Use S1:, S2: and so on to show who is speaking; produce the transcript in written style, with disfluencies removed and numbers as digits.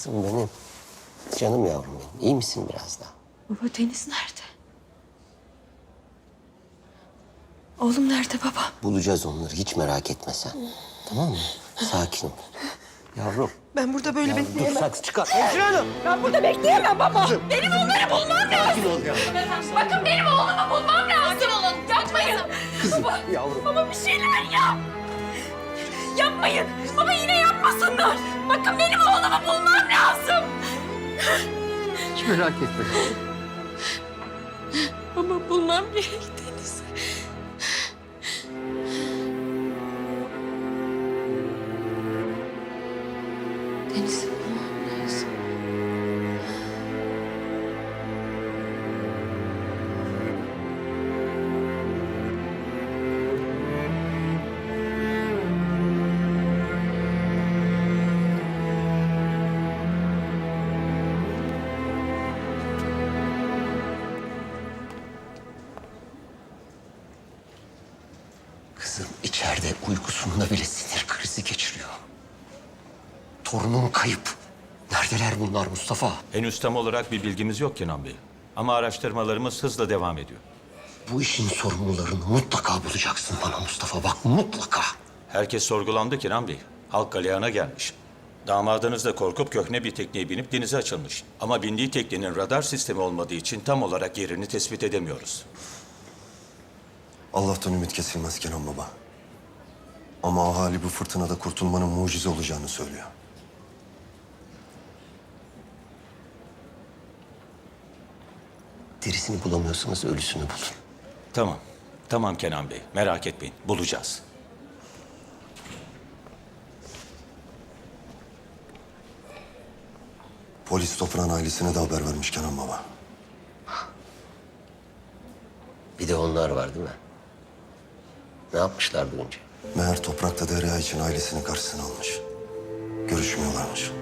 S1: Kızım benim. Canım yavrum benim. İyi misin biraz daha?
S2: Baba Deniz nerede? Oğlum nerede baba?
S1: Bulacağız onları. Hiç merak etme sen. Tamam mı? Sakin ol. Yavrum.
S2: Ben burada böyle
S1: Yavrum dur
S2: bekleyemem.
S1: saksı çıkar. Hemşire hanım.
S2: Ben burada bekleyemem baba. Benim onları bulmam lazım.
S1: Sakin ol ya.
S2: Bakın benim oğlumu bulmam lazım. Sakin olun. Yapmayın. Baba,
S1: Yavrum.
S2: baba bir şeyler yap. Yapmayın. Baba yine yapmasınlar. Bakın benim oğlumu bulmam lazım.
S1: Hiç merak etme.
S2: Baba bulmam gerek Deniz. Deniz'i bulmam lazım.
S1: Kızım içeride uykusunda bile sinir krizi geçiriyor. Torunum kayıp. Neredeler bunlar Mustafa?
S3: Henüz tam olarak bir bilgimiz yok Kenan Bey. Ama araştırmalarımız hızla devam ediyor.
S1: Bu işin sorumlularını mutlaka bulacaksın bana Mustafa. Bak mutlaka.
S3: Herkes sorgulandı Kenan Bey. Halk galeyana gelmiş. Damadınız da korkup köhne bir tekneye binip denize açılmış. Ama bindiği teknenin radar sistemi olmadığı için tam olarak yerini tespit edemiyoruz.
S4: Allah'tan ümit kesilmez Kenan Baba. Ama ahali bu fırtınada kurtulmanın mucize olacağını söylüyor.
S1: Derisini bulamıyorsanız ölüsünü bulun.
S3: Tamam. Tamam Kenan Bey. Merak etmeyin. Bulacağız.
S4: Polis toprağın ailesine de haber vermiş Kenan Baba.
S1: Bir de onlar var değil mi? Ne yapmışlar duyunca?
S4: Meğer toprak da Derya için ailesini karşısına almış. Görüşmüyorlarmış.